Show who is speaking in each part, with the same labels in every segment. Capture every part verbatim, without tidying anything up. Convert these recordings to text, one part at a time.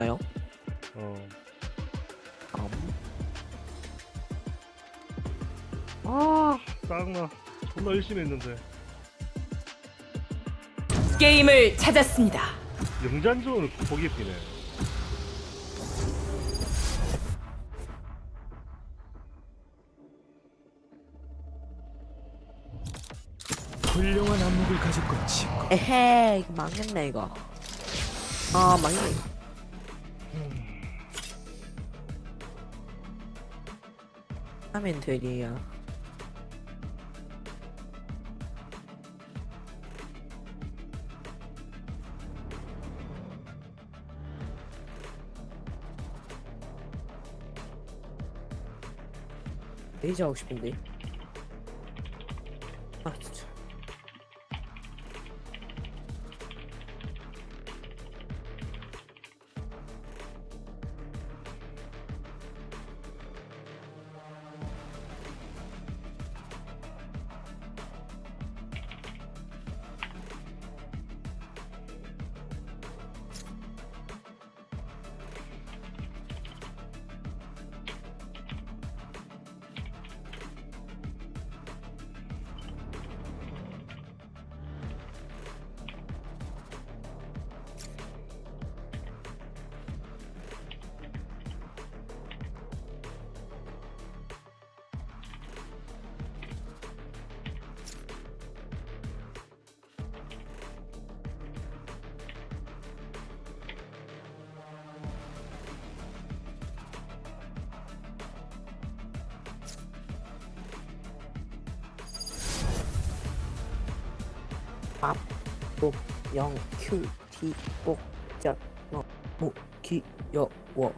Speaker 1: 나요?
Speaker 2: 어.
Speaker 1: 음.
Speaker 2: 아, 짜증나. 존나 열심히 했는데.
Speaker 3: 게임을 찾았습니다.
Speaker 2: 영잔존을 포기했네.
Speaker 4: 훌륭한 안목을 가졌군 친구.
Speaker 1: 에헤 이거 망했네 이거. 아 망했네 이거. 하면 되리야. 레이저 하고 싶은데. 아 진짜. 밥, 목, 영, 큐, 티, 복, 자, 어, 모, 기, 여, 워.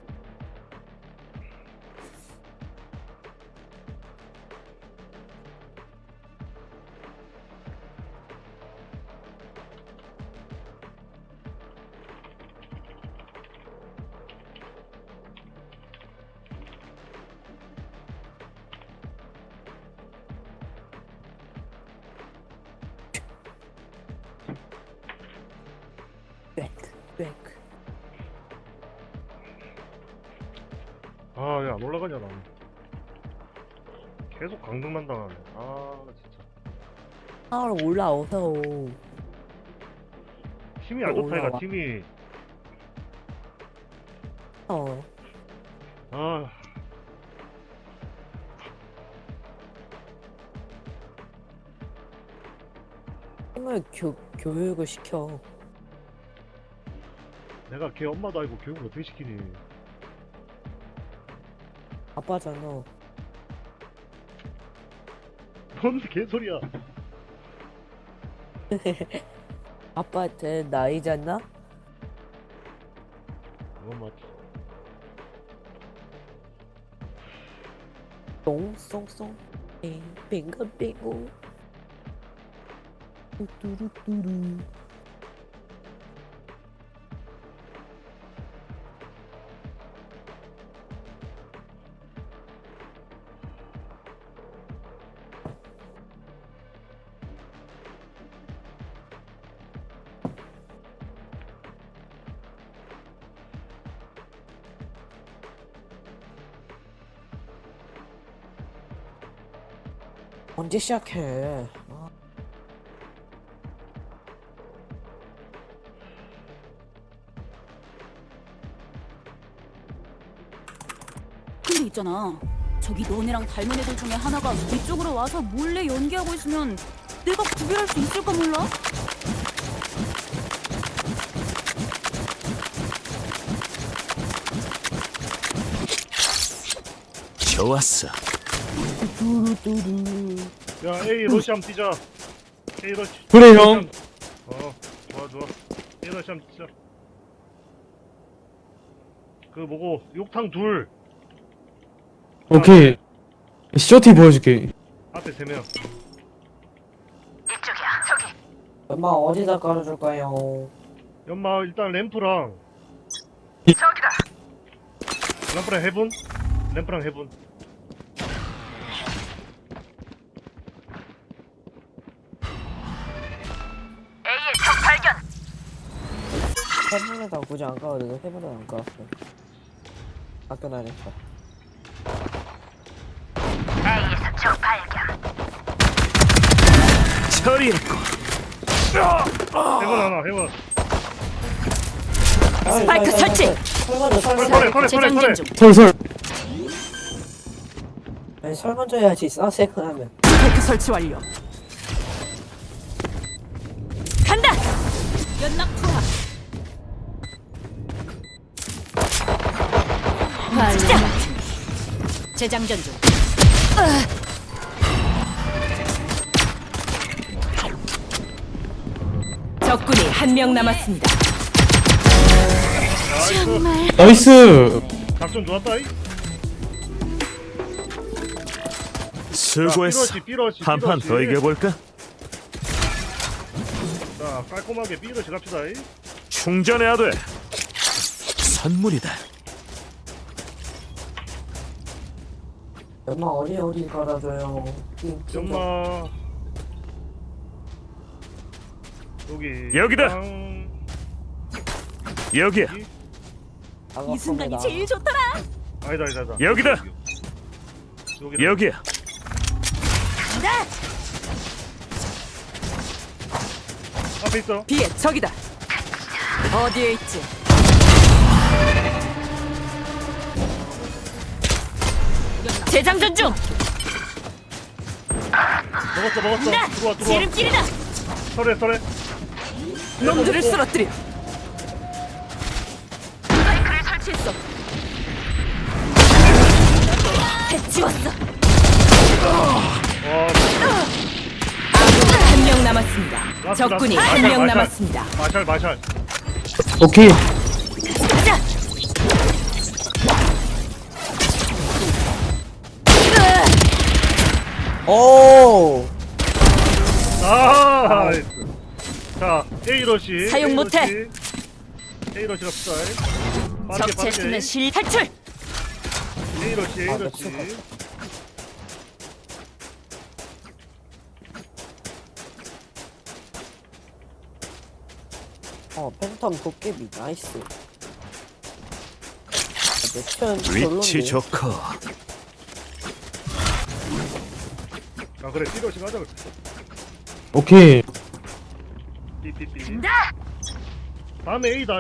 Speaker 1: 백, 백.
Speaker 2: 아, 야, 안 올라가냐, 나. 계속 강등만 당하네. 아, 진짜.
Speaker 1: 아, 올라오서.
Speaker 2: 팀이 안 좋다, 이가
Speaker 1: 올라와.
Speaker 2: 팀이.
Speaker 1: 어.
Speaker 2: 아,
Speaker 1: 힘을 교, 교육을 시켜.
Speaker 2: 내가 걔 엄마도 아니고 교육을 어떻게 시키니.
Speaker 1: 아빠잖아.
Speaker 2: 뭔 개소리야.
Speaker 1: 아빠한테 나이잖아?
Speaker 2: 그건 맞지.
Speaker 1: 똥송송. 에 빙글빙글. 뚜루뚜루. 언제 시작해? 아,
Speaker 3: 근데 있잖아. 저기 너네랑 닮은 애들 중에 하나가 이쪽으로 와서 몰래 연기하고 있으면 내가 구별할 수 있을까 몰라?
Speaker 4: 좋았어.
Speaker 1: 뚜루뚜루.
Speaker 2: 야, A 러시 한번 뛰자. A 러시.
Speaker 4: 그래,
Speaker 2: 러시
Speaker 4: 형.
Speaker 2: 한번- 어, 좋아, 좋아. A 러시 한번 뛰자. 그 뭐고, 욕탕 둘.
Speaker 5: 오케이. 쇼티 보여줄게.
Speaker 2: 앞에 세 명.
Speaker 1: 엄마 어디다 깔아줄까요?
Speaker 2: 연마 일단 램프랑.
Speaker 5: 이-
Speaker 2: 램프랑 해븐? 램프랑 해븐.
Speaker 1: 해보면 세번에다 굳이 안 가도 돼. 세번에 안 가봤어. 학교 다녔어.
Speaker 4: 처리했고.
Speaker 2: 해본 하나 해본.
Speaker 3: 스파이크 설치.
Speaker 1: 설거져 설거져.
Speaker 2: 설거져 설거져
Speaker 3: 재장전
Speaker 2: 설거져.
Speaker 3: 중.
Speaker 5: 설설.
Speaker 1: 아니 설거져 해야지. 싸세크 하면.
Speaker 3: 스파이크 설치 완료. 간다. 연막 투하. 시작. 재장전 중. 적군이 한 명 남았습니다. 정말
Speaker 5: 나이스.
Speaker 2: 작전 좋았다. 이.
Speaker 4: 수고했어.
Speaker 2: 자, 삐러시, 삐러시,
Speaker 4: 한 판
Speaker 2: 삐러시.
Speaker 4: 더 이겨볼까?
Speaker 2: 자, 깔끔하게 삐러시 갑시다. 이.
Speaker 4: 충전해야 돼. 선물이다.
Speaker 1: 엄마 어디 어디 갈아줘요. 띵, 띵.
Speaker 2: 연마. 여기.
Speaker 4: 여기다.
Speaker 2: 땅.
Speaker 4: 여기야.
Speaker 3: 이 순간이 제일 좋더라.
Speaker 2: 아니다 아니다 아니다.
Speaker 4: 여기다.
Speaker 2: 여기다.
Speaker 4: 여기야.
Speaker 3: 간다.
Speaker 2: 앞에 있어.
Speaker 3: 비에 적이다. 어디에 있지? 재장전 중.
Speaker 2: 먹었어 먹었어.
Speaker 3: 간다.
Speaker 2: 들어와 들어와.
Speaker 3: 지름길이다.
Speaker 2: 설해 설해.
Speaker 3: 놈들을 쓰러뜨려. 스파이크를 설치했어. 해치웠어.
Speaker 2: 와.
Speaker 3: 한 명 남았습니다.
Speaker 2: 라스,
Speaker 3: 적군이
Speaker 2: 라스.
Speaker 3: 한 명
Speaker 2: 마샬, 마샬.
Speaker 3: 남았습니다.
Speaker 2: 마샬 마샬.
Speaker 5: 오케이.
Speaker 3: 가자.
Speaker 1: 오.
Speaker 2: 아, 나이스. 자, A러시.
Speaker 3: 사용
Speaker 2: A러시.
Speaker 3: 못해.
Speaker 2: A러시 갑시다. 빠르게
Speaker 3: 적
Speaker 2: 빠르게.
Speaker 3: 체스는 실 탈출.
Speaker 2: A러시
Speaker 1: 아,
Speaker 2: A러시.
Speaker 1: 나 어 팬텀 도깨비 나이스. 내천
Speaker 4: 위치
Speaker 1: 별론데.
Speaker 4: 좋고.
Speaker 2: 아 그래 B러시 가자.
Speaker 5: 오케이.
Speaker 2: 삐삐삐. 다음에 A다.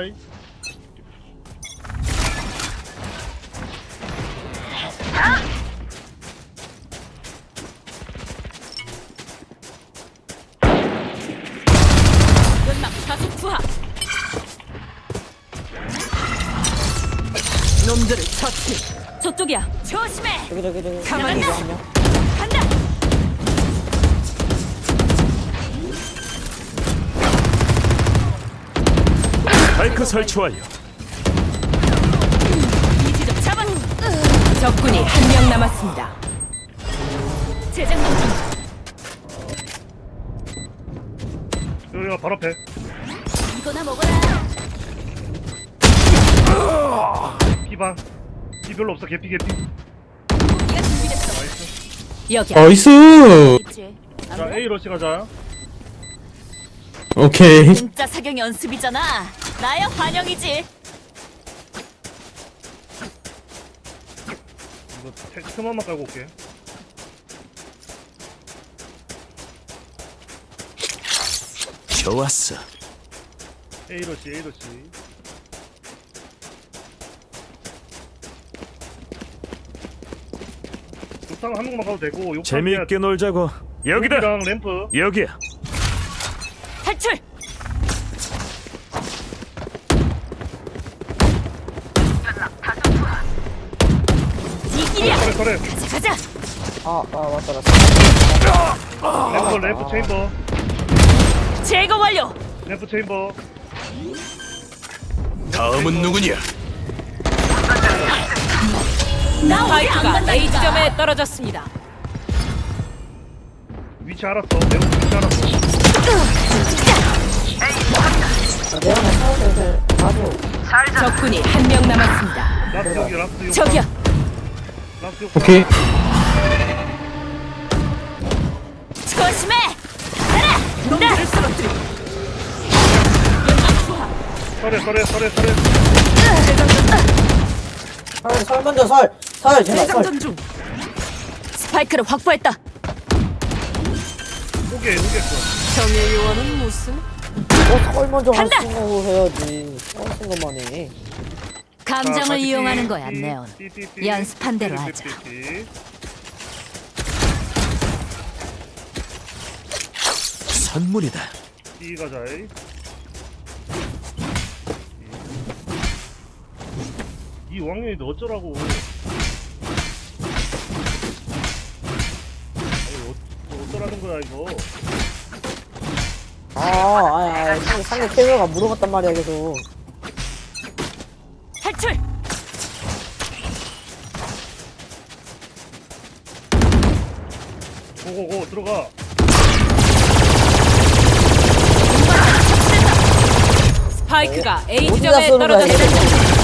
Speaker 3: 연막 가속 투하. 놈들을 처치. 저쪽이야. 조심해.
Speaker 1: 저기 저기 저기.
Speaker 3: 가만히
Speaker 1: 저기
Speaker 3: 있어.
Speaker 1: 한 명.
Speaker 3: 간다.
Speaker 4: 스파이크 설치 완료.
Speaker 3: 이 지점 잡았어. 적군이 한 명 남았습니다. 재장전 중.
Speaker 2: 여기가 바로 앞에.
Speaker 3: 이거나 먹어라.
Speaker 2: B방. B 별로 없어. 개피 개피.
Speaker 3: 고기가 준비됐어. 여기야.
Speaker 5: 나이스.
Speaker 3: 있지.
Speaker 2: 자 A러시 가자.
Speaker 5: 오케이.
Speaker 3: 진짜 사격 연습이잖아. 나야 환영이지.
Speaker 2: 이거 텍스트만 깔고 올게.
Speaker 4: 좋았어.
Speaker 2: A러시 A러시. 욕탕 한 명만 가도 되고 욕탕
Speaker 4: 재미있게 놀자고. 여기다.
Speaker 2: 랑 램프.
Speaker 4: 여기야.
Speaker 3: 탈출. 이 길이야.
Speaker 2: 그래 그래.
Speaker 3: 가자 가자.
Speaker 1: 아, 아 맞다 맞다.
Speaker 2: 램프 램프 체인버.
Speaker 3: 제거 완료.
Speaker 2: 램프 체인버.
Speaker 4: 다음은 누구냐?
Speaker 3: 스파이크가 A점에 떨어졌습니다.
Speaker 2: 위치 알았어. 램프 위치 알았어.
Speaker 1: 아, 내가 나 사오들 가져.
Speaker 3: 적군이 한 명 남았습니다.
Speaker 2: 라스 여기 라스 여기.
Speaker 3: 저기요.
Speaker 2: 라스 여기.
Speaker 5: 오케이.
Speaker 3: 조심해. 가라. 놈들을 쓰러뜨려. 연막 투하.
Speaker 2: 설에 설에 설에 설에.
Speaker 1: 설, 설 먼저 설. 설 제발 설.
Speaker 3: 대장전 중. 스파이크를 확보했다.
Speaker 2: 오게 오겠어.
Speaker 3: 정의 요원은 무슨?
Speaker 1: 어, 설 먼저 할
Speaker 3: 간다!
Speaker 1: 생각을 해야지. 설 생각만 해.
Speaker 3: 감정을 이용하는 거야, 네온. 연습한 대로 하자.
Speaker 4: 선물이다.
Speaker 2: 이 가자이. 이 왕년이 너 어쩌라고. 아니 어, 어쩌라는 거야 이거.
Speaker 1: 아, 아, 아, 상대, 상대 캐리어가 물어봤단 말이야, 계속.
Speaker 3: 탈출.
Speaker 2: 고고고 들어가.
Speaker 3: 스파이크가 A
Speaker 1: 어디다
Speaker 3: 지점에
Speaker 1: 쏘는 거야,
Speaker 3: 떨어졌다.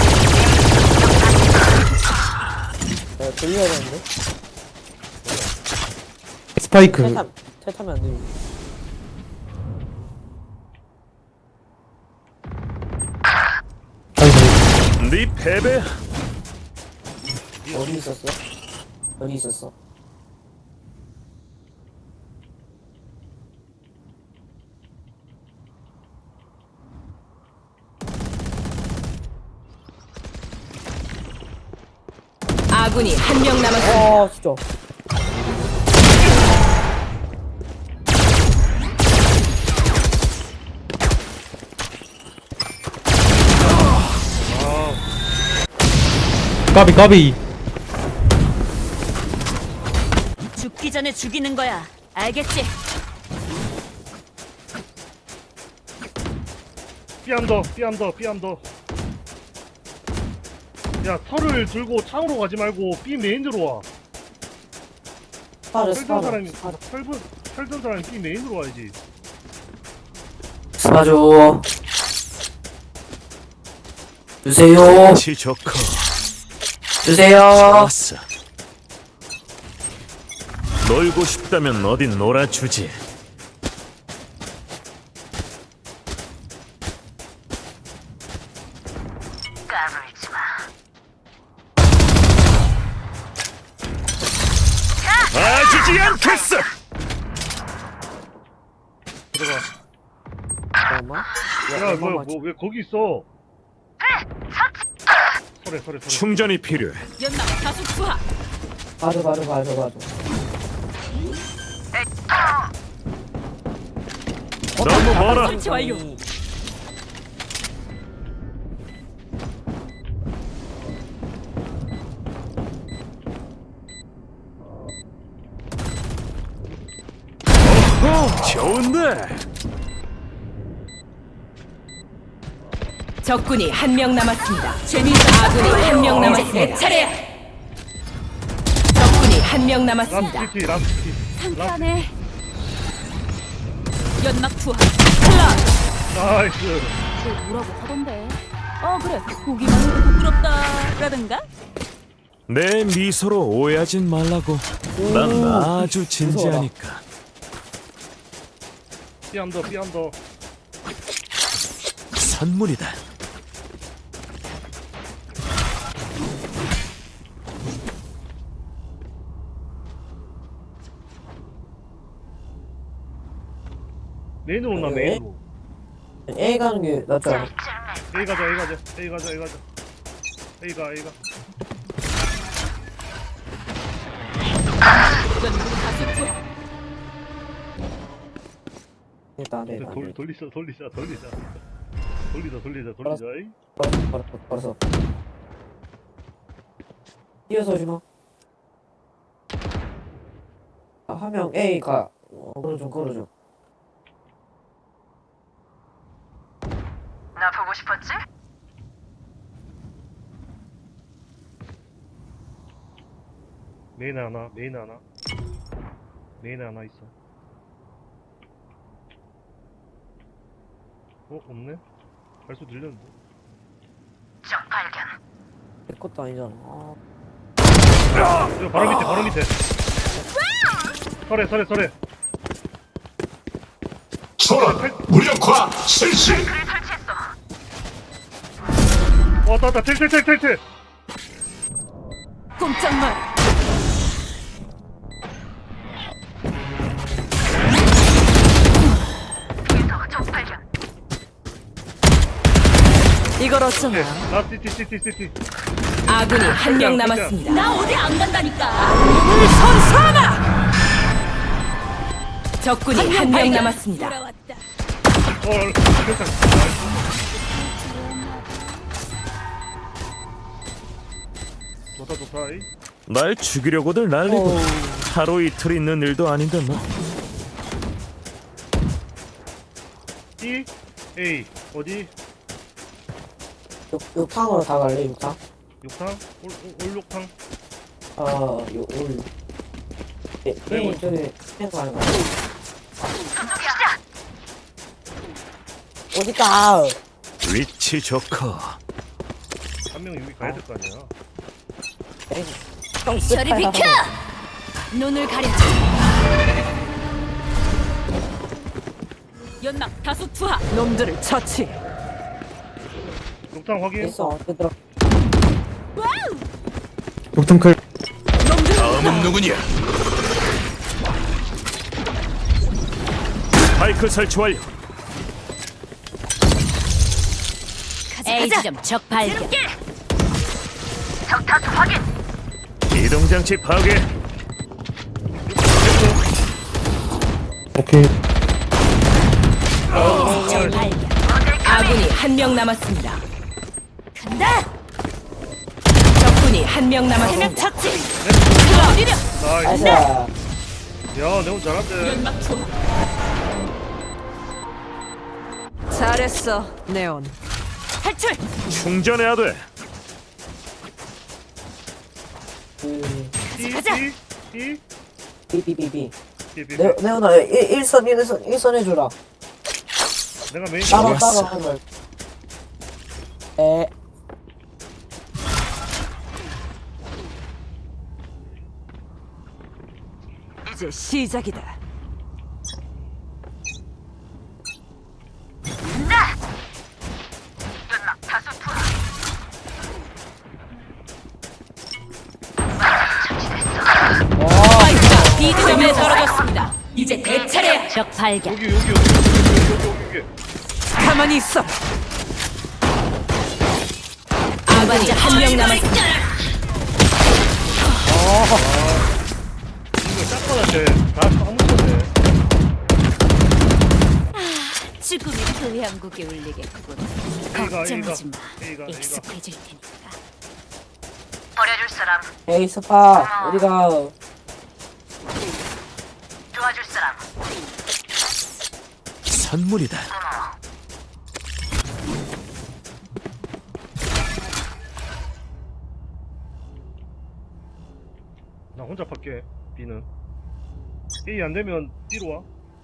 Speaker 1: 내가 돌려야 되는데.
Speaker 5: 스파이크.
Speaker 1: 탈타면, 탈타면 안 돼.
Speaker 5: 아이고.
Speaker 4: 네 패배야.
Speaker 1: 어디 있었어? 여기 있었어.
Speaker 3: 아군이 한 명 남았습니다.
Speaker 1: 아, 진짜.
Speaker 5: 까비 까비.
Speaker 3: 죽기 전에 죽이는 거야. 알겠지?
Speaker 2: 삐암더 삐암더 삐암더. 야 털을 들고 창으로 가지 말고 B 메인으로 와.
Speaker 1: 스파르,
Speaker 2: 털든
Speaker 1: 스파르.
Speaker 2: 사람이
Speaker 1: 스파르.
Speaker 2: 털든 털든 사람이 B 메인으로 와야지.
Speaker 1: 스파줘. 주세요.
Speaker 4: 치 좋고.
Speaker 1: 주세요.
Speaker 4: 좋았어. 놀고 싶다면 어딘 놀아주지. 빠지지 않겠어.
Speaker 2: 들어가.
Speaker 1: 잠깐만.
Speaker 2: 야 뭐야 뭐 왜 거기 있어? 설에 설에 설에.
Speaker 4: 충전이 필요해.
Speaker 3: 연막 다수 투하.
Speaker 1: 봐줘, 봐줘, 봐줘, 봐줘.
Speaker 4: 너무 멀어.
Speaker 3: 설치 완료.
Speaker 4: 좋은데.
Speaker 3: 적군이 한 명 남았습니다. 재미있어. 아군이 한 명 남았습니다. 내 차례야. 적군이 한 명 남았습니다.
Speaker 2: 라스트 키 라스트 키.
Speaker 3: 상쾌하네. 연막 투하. 클라.
Speaker 2: 나이스.
Speaker 3: 너 뭐라고 하던데? 어 그래. 보기만 해도 부끄럽다라든가.
Speaker 4: 내 미소로 오해하진 말라고. 난 아주 진지하니까.
Speaker 2: 삐암더 삐암더.
Speaker 4: 선물이다.
Speaker 2: 메인으로 온나
Speaker 1: 네.
Speaker 2: 메인으로.
Speaker 1: A 가는 게 낫지 않아?
Speaker 2: A 가자 A 가자 A 가자 A 가자. A 가 A 가.
Speaker 3: 연막 다수 투하.
Speaker 1: 일단, 네,
Speaker 2: 돌
Speaker 1: 네.
Speaker 2: 돌리자 돌리자 돌리자. 돌리자 돌리자 돌리자. 이.
Speaker 1: 걸었어, 걸었어, 걸었어. 뛰어서 오지 마. 아, 한 명 A 가. 어, 걸어줘, 걸어줘.
Speaker 6: 나 보고 싶었지?
Speaker 2: 메인 하나 메인 하나. 메인 하나 있어. 어 없네? 발소 들렸는데.
Speaker 6: 적 발견.
Speaker 1: 내 것도 아니잖아. 아,
Speaker 2: 이거 바로 밑에 바로 밑에. 설에 설에 설에.
Speaker 7: 소란 무력화 실시.
Speaker 6: 그를 설치했어.
Speaker 2: 왔다 왔다 텔텔텔텔텔.
Speaker 3: 꼼짝 마.
Speaker 6: 계속 적 발견.
Speaker 7: 이걸 어쩌나.
Speaker 2: 나 시티 시티 시티.
Speaker 7: 아군이 한 명
Speaker 2: 진짜.
Speaker 7: 남았습니다.
Speaker 3: 나 어디 안 간다니까.
Speaker 7: 눈을 선사하라. 적군이 한 명 남았습니다.
Speaker 3: 돌아왔다.
Speaker 2: 어 괜찮. 좋다 좋다. 이.
Speaker 4: 날 죽이려고들 난리고
Speaker 1: 어우.
Speaker 4: 하루 이틀 있는 일도 아닌데 뭐.
Speaker 2: E A 어디?
Speaker 1: 육, 육탕으로 다 갈래 육탕?
Speaker 2: 육탕? 올, 올, 올육탕?
Speaker 1: 어, 요, 올. 예,
Speaker 2: 네,
Speaker 1: 예, 저기, 탱크 하는 거.
Speaker 6: 저쪽이야.
Speaker 1: 어디가?
Speaker 4: 위치 좋고
Speaker 2: 한 명 여기 가야 될 거 아니야.
Speaker 1: 에이, 형,
Speaker 3: 저리
Speaker 1: 스파이
Speaker 3: 비켜!
Speaker 1: 하고.
Speaker 3: 눈을 가려줘. 연막 다수 투하.
Speaker 7: 놈들을 처치.
Speaker 2: 육탕 확인.
Speaker 1: 있어, 어디 들어?
Speaker 5: 녹턴클.
Speaker 4: 다음은 누구냐? 스파이크 설치 완료.
Speaker 3: A 지점 적 발견.
Speaker 6: 적 다수 확인.
Speaker 4: 이동장치 파괴.
Speaker 5: 오케이.
Speaker 3: 적 발견.
Speaker 7: 아군이 한 명 남았습니다.
Speaker 3: 간다.
Speaker 7: 적군이 한 명
Speaker 3: 세명
Speaker 7: 남았습니다.
Speaker 3: 처치. 어디려?
Speaker 2: 나이스.
Speaker 1: 나이스.
Speaker 2: 야, 내가 잘한대.
Speaker 3: 연막 투하.
Speaker 7: 잘했어, 네온.
Speaker 3: 탈출.
Speaker 4: 충전해야 돼.
Speaker 1: 그,
Speaker 2: E
Speaker 3: 가자.
Speaker 2: E E
Speaker 1: 비비비비.
Speaker 2: B B.
Speaker 1: 네, 네오나, 일선, 일선, 일선 해주라.
Speaker 2: 내가 메인.
Speaker 1: 따로,
Speaker 4: 좋았어.
Speaker 1: 따로 하는 에,
Speaker 7: 이제 시작이다.
Speaker 6: 나. 연막 다수 투하.
Speaker 7: 스파이크가 B 지점에 떨어졌습니다. 이제 내 차례야.
Speaker 3: 적 발견.
Speaker 2: 여기 여기 여기 여기 여기 여기 여기.
Speaker 7: 가만히 있어. 아군이 한 명 남았습니다.
Speaker 2: 이거 짝꿍한테 다 아무것도 돼.
Speaker 3: 죽음의 교향곡에 울리겠군.
Speaker 2: A가
Speaker 3: 걱정하지 마.
Speaker 2: A가 A가
Speaker 3: 익숙해질 테니까.
Speaker 6: 버려줄 사람.
Speaker 1: 에이, 스파, 어디가?
Speaker 6: 도와줄 사람.
Speaker 4: 선물이다.
Speaker 2: 나 혼자 팔게. B는. A 안 되면 B로 와.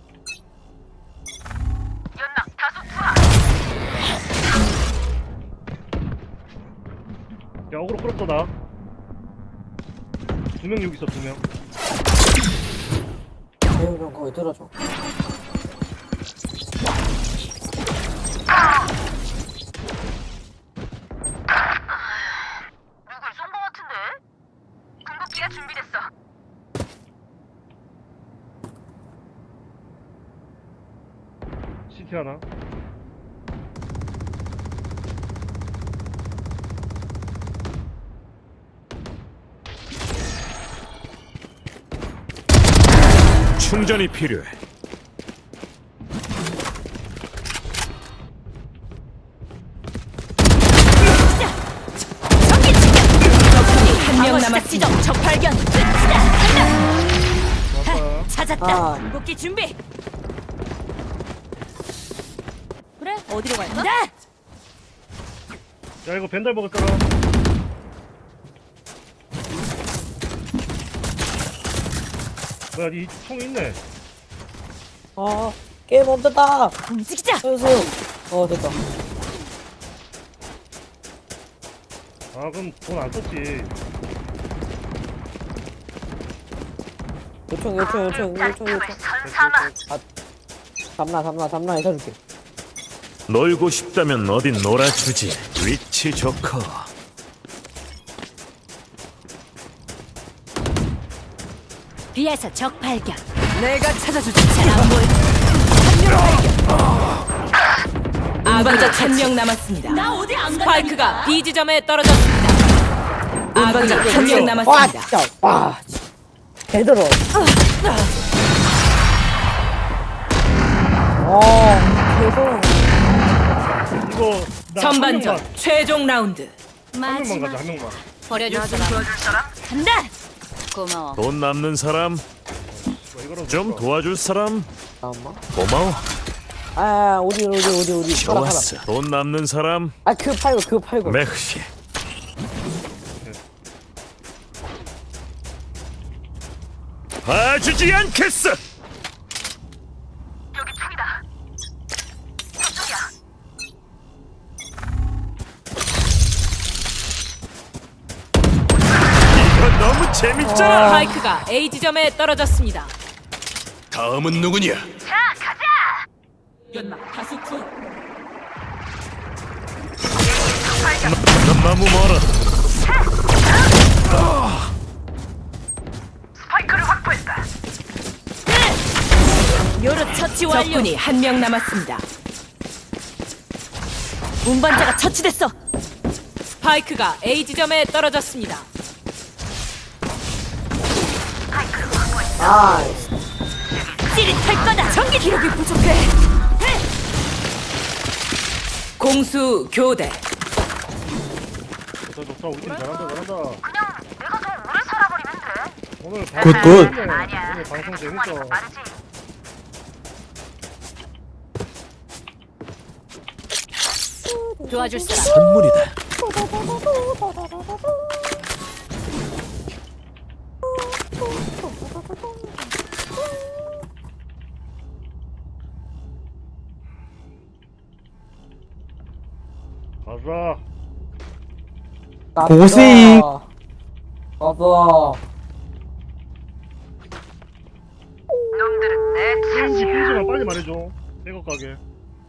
Speaker 6: 연막 다수 투하.
Speaker 2: 야, 어그로 끌었어 나. 두 명 여기 있어 두 명.
Speaker 1: 네오 좀 거기 들어줘.
Speaker 6: 누굴 쏜 거 같은데? 궁극기가 준비됐어.
Speaker 2: 시티 하나.
Speaker 4: 충전이 필요해.
Speaker 7: 적군이 한 명 남았습니다.
Speaker 3: 지점 적 발견.
Speaker 2: 왔다.
Speaker 3: 찾았다.
Speaker 1: 아.
Speaker 3: 궁극기 준비. 그래? 어디로 갈까? 나.
Speaker 2: 야, 이거 벤달 먹었잖아. 뭐야, 이 총 있네.
Speaker 1: 어, 게임 멈췄다!
Speaker 3: 움직이자.
Speaker 1: 소유, 어, 됐다.
Speaker 2: 아, 그럼 돈 안 썼지.
Speaker 1: 요청, 요청, 요청, 요청,
Speaker 6: 짝꿍을
Speaker 1: 요청.
Speaker 6: 선사마.
Speaker 1: 담나, 담나, 담나 해줄게.
Speaker 4: 놀고 싶다면 어딘 놀아주지. 위치 좋고.
Speaker 3: B에서 적 발견.
Speaker 7: 내가 찾아주지. 잘안 보여. 아군자 한 명 남았습니다.
Speaker 3: 나 어디 안 간다니까.
Speaker 7: 스파이크가 B 지점에 떨어졌습니다. 아군자 한 명
Speaker 1: 와
Speaker 7: 남았습니다.
Speaker 1: 진짜 와 진짜. 개들어. 와 개들어.
Speaker 2: 이거 나한
Speaker 7: 전반전
Speaker 2: 명만,
Speaker 7: 최종 라운드.
Speaker 2: 한 명만
Speaker 3: 마지막
Speaker 2: 가자 한 명만.
Speaker 3: 버려줄 사람. 간다. 고마워.
Speaker 4: 돈 남는 사람,
Speaker 2: 뭐 이거라도
Speaker 4: 좀
Speaker 2: 줄까?
Speaker 4: 도와줄 사람.
Speaker 1: 잠깐만.
Speaker 4: 고마워.
Speaker 1: 아 어디 어디 어디 어디.
Speaker 4: 좋았어. 돈 남는 사람,
Speaker 1: 아그 팔고 그 팔고.
Speaker 4: 맥시. 봐주지 않겠어.
Speaker 6: 여기 총이다. 저쪽이야.
Speaker 4: 이거 너무 재밌잖아.
Speaker 7: 스파이크가 A 지점에 떨어졌습니다.
Speaker 4: 다음은 누구냐?
Speaker 6: 자, 가자.
Speaker 7: 연막 다수 투.
Speaker 4: 너, 너무 멀어.
Speaker 6: 스파이크를 확보했다.
Speaker 3: 요르 처치 완료.
Speaker 7: 적군이 한 명 남았습니다.
Speaker 3: 운반자가 처치됐어.
Speaker 7: 스파이크가 A 지점에 떨어졌습니다.
Speaker 1: 아
Speaker 3: 찌릿할 거다. 전기 기록이 부족해.
Speaker 7: 공수 교대.
Speaker 2: 좋다 좋다 우리 팀 잘한다 잘한다.
Speaker 6: 그냥 내가 더 오래 살아버리면 돼.
Speaker 2: 오늘
Speaker 5: 굿,
Speaker 2: 방송
Speaker 5: 굿.
Speaker 2: 재밌네.
Speaker 6: 아니야.
Speaker 2: 오늘 방송 재밌어.
Speaker 6: 그거는 빠르지.
Speaker 3: 도와줄 사람.
Speaker 4: 선물이다.
Speaker 2: 가자.
Speaker 5: 고생.
Speaker 1: 봐봐.
Speaker 6: 놈들은 내
Speaker 2: 페인지
Speaker 6: 차지야.
Speaker 2: 페인지만 빨리 말해줘. 백업 가게.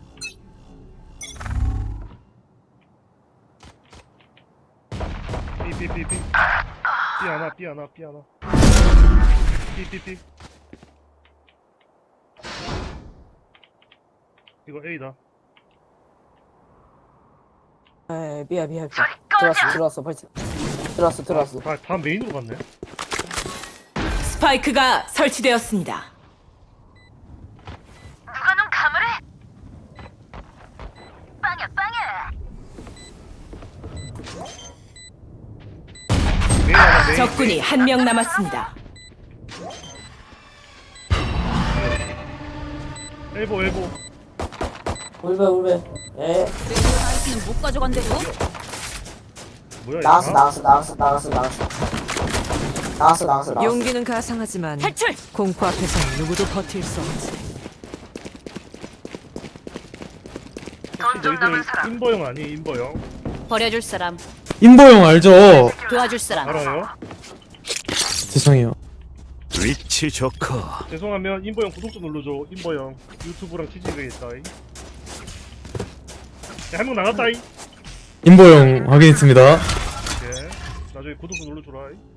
Speaker 2: 삐삐삐삐. 삐 하나 삐 하나 삐 하나. 삐삐삐. 이거 A다.
Speaker 1: 에 미안 미안 미안. 들어왔어 들어왔어 빨리. 들어왔어 들어왔어.
Speaker 2: 다, 다 메인으로 갔네.
Speaker 7: 스파이크가 설치되었습니다.
Speaker 6: 누가 눈 감으래? 빵야 빵야.
Speaker 2: 메인 하나 메인.
Speaker 7: 적군이 한 명 남았습니다.
Speaker 2: 엘보 엘보.
Speaker 1: 울베 울베. 에
Speaker 3: 아이스는 못 가져간대도.
Speaker 2: 뭐야
Speaker 1: 나왔어
Speaker 2: 이거?
Speaker 1: 나왔어 나왔어 나왔어 나왔어. 나왔어 나왔어 나왔어.
Speaker 8: 용기는 가상하지만
Speaker 3: 탈출.
Speaker 8: 공포 앞에서 누구도 버틸 수 없지.
Speaker 2: 혹시
Speaker 6: 돈좀 남은
Speaker 2: 너희들
Speaker 6: 사람.
Speaker 2: 인버영 아니 인버영?
Speaker 3: 버려줄 사람.
Speaker 5: 인보영 알죠?
Speaker 3: 도와줄 사람.
Speaker 2: 알아요?
Speaker 5: 죄송해요.
Speaker 4: 위치 좋고.
Speaker 2: 죄송하면 인버영 구독 좀 눌러줘. 인버영 유튜브랑 취직되겠다. 한 명 나갔다. 이.
Speaker 5: 인보영 확인했습니다.
Speaker 2: 예. 나중에 구독 좀 눌러줘라. 이.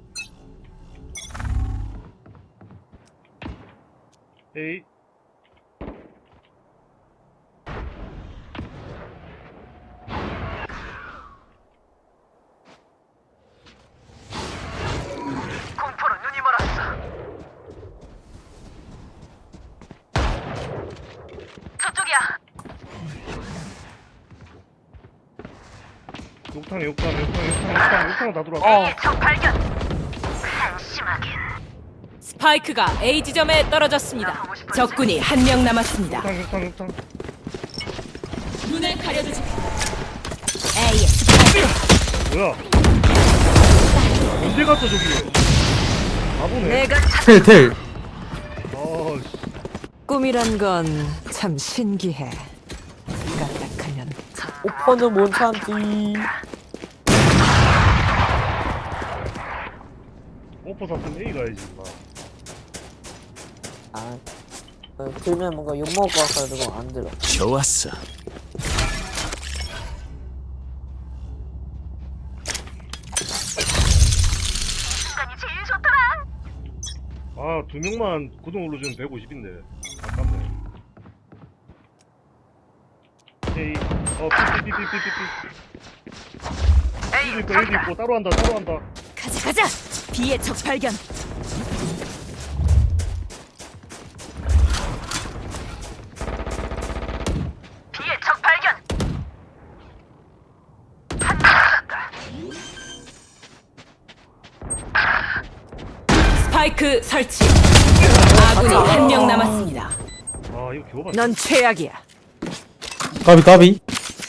Speaker 2: 에이.
Speaker 6: 공포로 눈이 멀었어. 저쪽이야.
Speaker 2: 욕탕 욕탕 욕탕 욕탕 욕탕 욕탕 다 들어왔어.
Speaker 6: A의 적 발견. 한심하긴.
Speaker 7: 스파이크가 A 지점에 떨어졌습니다. 적군이 한 명 남았습니다.
Speaker 2: 욕탕 욕탕 욕탕.
Speaker 7: 눈을 가려주지.
Speaker 3: A의 스파이크.
Speaker 2: 뭐야? 언제 갔어 저기? 바보네.
Speaker 8: 내가
Speaker 5: 텔 텔.
Speaker 2: 아, 씨.
Speaker 8: 꿈이란 건 참 신기해. 까딱하면
Speaker 1: 오퍼는 못 참지.
Speaker 2: 오퍼 샀으면 A 가야지. 인마.
Speaker 1: 아 어, 들면 뭔가 욕 먹을 것 같아가지고 안 들어.
Speaker 4: 좋았어.
Speaker 2: 아, 두 명만 구동 눌러주면 백오십인데. 아깝네. 에이, 어, 삐삐삐삐삐삐. 에이도 있고, 에이도 있고, 따로 한다, 따로 한다.
Speaker 3: 가자 가자. B의 적 발견.
Speaker 6: B의 적 발견.
Speaker 7: 스파이크 설치. 아군이 한 명 남았습니다.
Speaker 2: 아, 이거 겨우 봤네.
Speaker 8: 넌 최악이야.
Speaker 5: 까비 까비.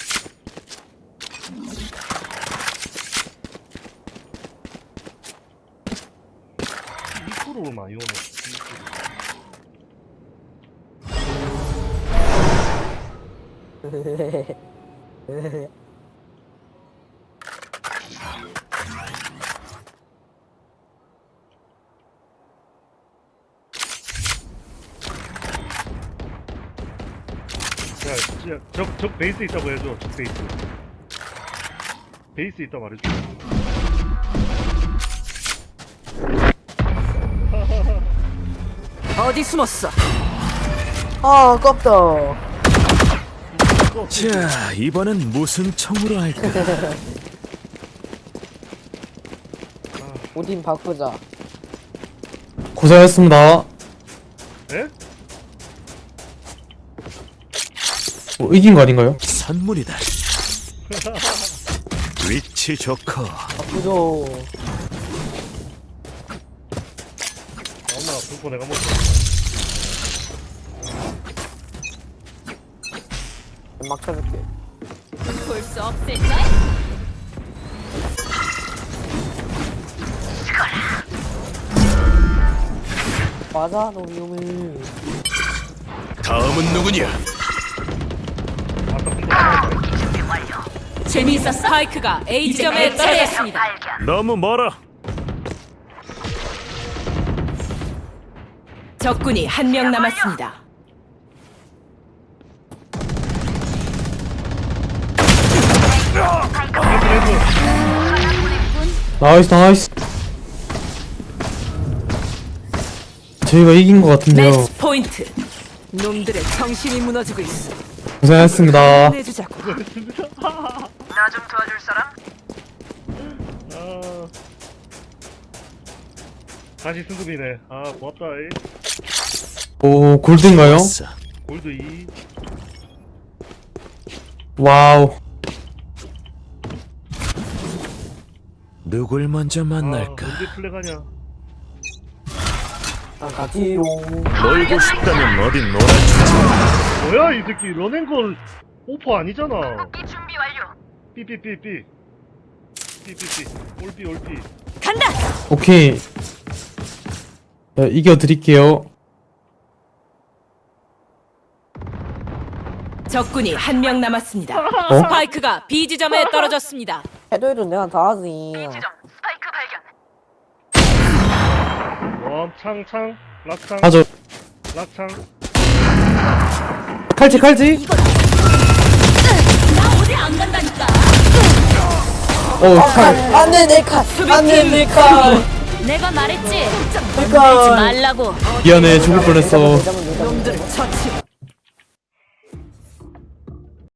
Speaker 2: 이 프로로 많이 오네. 야, 진짜 적, 적 베이스 있다고 해줘. 적 베이스. 베이스 있다 말해줘.
Speaker 8: 어디 숨었어?
Speaker 1: 아 아깝다.
Speaker 4: 자, 이번엔 무슨 총으로 할까?
Speaker 1: 오딘 바꾸자.
Speaker 5: 고생하셨습니다.
Speaker 2: 에?
Speaker 5: 뭐 이긴 거 아닌가요?
Speaker 4: 선물이다. 위치 좋고
Speaker 1: 바꾸죠.
Speaker 2: 엄마, 불포 내가 먹어.
Speaker 1: 막 쳐줄게.
Speaker 3: 볼 수 없을까?
Speaker 1: 맞아 너 위험해.
Speaker 4: 다음은 누구냐?
Speaker 2: 아따, 불포 나가.
Speaker 7: 재미있어. 스파이크가 A 지점에 떨어졌습니다.
Speaker 4: 너무 멀어.
Speaker 7: 적군이 한 명 남았습니다.
Speaker 5: 나이스 나이스. 저희가 이긴 거 같은데요.
Speaker 7: 매치 포인트.
Speaker 8: 놈들의 정신이 무너지고 있어.
Speaker 5: 고생하셨습니다.
Speaker 8: 내주자고.
Speaker 6: 나 좀 도와줄 사람?
Speaker 2: 아. 다시 승급이네. 아, 고맙다. 이.
Speaker 5: 오 골드인가요?
Speaker 4: 아싸.
Speaker 2: 골드 이.
Speaker 5: 와우.
Speaker 4: 누굴 먼저 만날까?
Speaker 2: 아, 언제 플래가냐?
Speaker 1: 아 가지요.
Speaker 4: 놀고 싶다면 어디 놀아주지.
Speaker 2: 뭐야, 이 새끼. 런앤걸 오퍼 아니잖아.
Speaker 6: 이 준비 완료.
Speaker 2: 삐삐삐삐. 삐삐삐. 올삐, 올삐.
Speaker 3: 간다.
Speaker 5: 오케이. 자, 이겨드릴게요.
Speaker 7: 적군이 한 명 남았습니다.
Speaker 5: 어?
Speaker 7: 스파이크가 B 지점에 떨어졌습니다.
Speaker 1: 해도 해도 내가 다 하지.
Speaker 6: 지점 스파이크 발견.
Speaker 2: 웜, 창, 창. 락창.
Speaker 5: 하죠.
Speaker 2: 락창.
Speaker 5: 칼치 칼치.
Speaker 3: 나 어디 안 간다니까.
Speaker 5: 어 칼.
Speaker 1: 안돼 내 칼. 안돼 내 칼.
Speaker 3: 내가 말했지.
Speaker 1: 내 칼.
Speaker 3: 말라고.
Speaker 5: 미안해 죽을 뻔했어.
Speaker 1: 내자면 내자면
Speaker 8: 놈들을 처치.